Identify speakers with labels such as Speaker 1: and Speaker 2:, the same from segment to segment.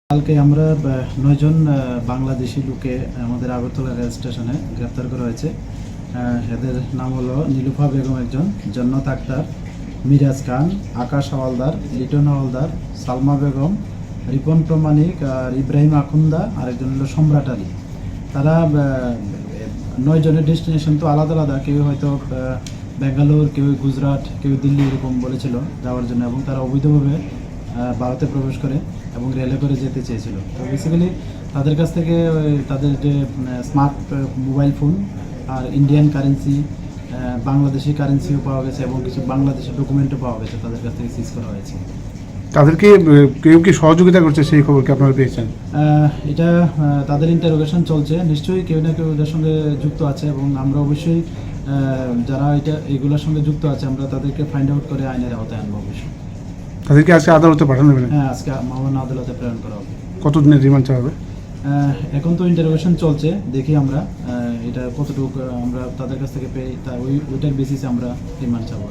Speaker 1: কালকে আমরা ৯ জন বাংলাদেশি লোকে আমাদের আগরতলা রেল স্টেশনে গ্রেপ্তার করা হয়েছে। এদের নাম হলো নীলুফা বেগম একজন, জন্নত আক্তার, মিরাজ খান, আকাশ হাওয়ালদার, লিটন হাওয়ালদার, সালমা বেগম, রিপন প্রমাণিক আর ইব্রাহিম আখুন্দা, আরেকজন হলো সম্রাট আলী। তারা ৯ জনের ডেস্টিনেশন তো আলাদা আলাদা, কেউ হয়তো বেঙ্গালোর, কেউ গুজরাট, কেউ দিল্লি এরকম বলেছিল যাওয়ার জন্য, এবং তারা অবৈধভাবে ভারতে প্রবেশ করে এবং রেলে করে যেতে চেয়েছিল। তো বেসিক্যালি তাদের কাছ থেকে তাদের যে স্মার্ট মোবাইল ফোন আর ইন্ডিয়ান কারেন্সি, বাংলাদেশি কারেন্সিও পাওয়া গেছে এবং কিছু বাংলাদেশি ডকুমেন্টও পাওয়া গেছে, তাদের কাছ থেকে সিজ করা হয়েছে।
Speaker 2: তাদেরকে কেউ কি সহযোগিতা করছে সেই খবর কি আপনারা পেয়েছেন?
Speaker 1: এটা তাদের ইন্টারোগেশন চলছে, নিশ্চয়ই কেউ না কেউ এদের সঙ্গে যুক্ত আছে এবং আমরা অবশ্যই যারা এগুলোর সঙ্গে যুক্ত আছে আমরা তাদেরকে ফাইন্ড আউট করে আইনের আওতায় আনবো অবশ্যই।
Speaker 2: তাদেরকে আজকে আদালতে পাঠানো হবে?
Speaker 1: হ্যাঁ, আজকে মামলা আদালতে প্রেরণ করা হবে।
Speaker 2: কতদিনের রিমান্ড চাওয়া হবে?
Speaker 1: এখন তো ইন্টারোগেশন চলছে, দেখি আমরা এটা কতটুকু আমরা তাদের কাছ থেকে পেয়ে ওইটার বেসিসে আমরা রিমান্ড চাবো।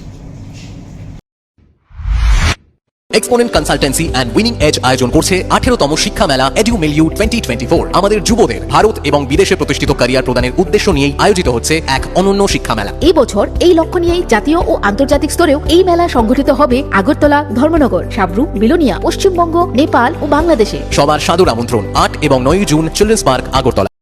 Speaker 3: Exponent Consultancy and Winning Edge আয়োজন করছে 18তম শিক্ষা মেলা এডুমিলিউ 2024। আমাদের যুবদের ভারত এবং বিদেশে প্রতিষ্ঠিত ক্যারিয়ার প্রদানের উদ্দেশ্য নিয়েই আয়োজিত হচ্ছে এক অনন্য শিক্ষা মেলা।
Speaker 4: এই বছর এই লক্ষ্য নিয়েই জাতীয় ও আন্তর্জাতিক স্তরেও এই মেলা সংগঠিত হবে আগরতলা, ধর্মনগর, সাবরু, বিলোনিয়া, পশ্চিমবঙ্গ, নেপাল ও বাংলাদেশে।
Speaker 3: সবার সাদর আমন্ত্রণ 8 এবং 9 জুন চিলড্রেন্স পার্ক, আগরতলা।